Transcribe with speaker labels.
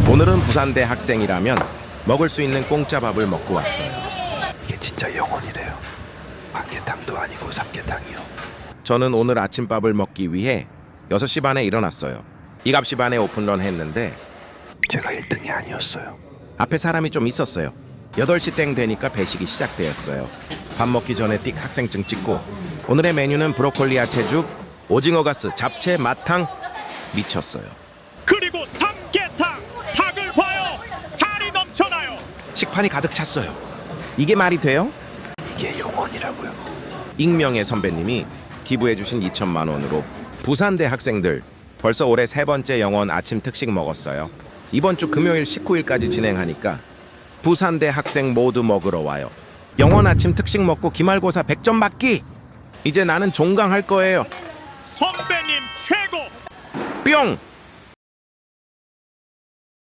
Speaker 1: 오늘은 부산대 학생이라면 먹을 수 있는 공짜 밥을 먹고 왔어요.
Speaker 2: 이게 진짜 영혼이래요. 만개탕도 아니고 삼계탕이요.
Speaker 1: 저는 오늘 아침밥을 먹기 위해 6시 반에 일어났어요. 7시 반에 오픈런 했는데
Speaker 2: 제가 1등이 아니었어요.
Speaker 1: 앞에 사람이 좀 있었어요. 8시 땡 되니까 배식이 시작되었어요. 밥 먹기 전에 띡 학생증 찍고 오늘의 메뉴는 브로콜리 야채죽, 오징어 가스, 잡채, 마탕. 미쳤어요.
Speaker 3: 그리고 삼계탕 닭을 봐요. 살이 넘쳐나요.
Speaker 1: 식판이 가득 찼어요. 이게 말이 돼요?
Speaker 2: 이게 영혼이라고요.
Speaker 1: 익명의 선배님이 기부해주신 2천만 원으로 부산대 학생들 벌써 올해 3번째 영원 아침 특식 먹었어요. 이번 주 금요일 19일까지 진행하니까 부산대 학생 모두 먹으러 와요. 영원 아침 특식 먹고 기말고사 100점 받기! 이제 나는 종강할 거예요.
Speaker 3: 선배님 최고.
Speaker 1: 뿅!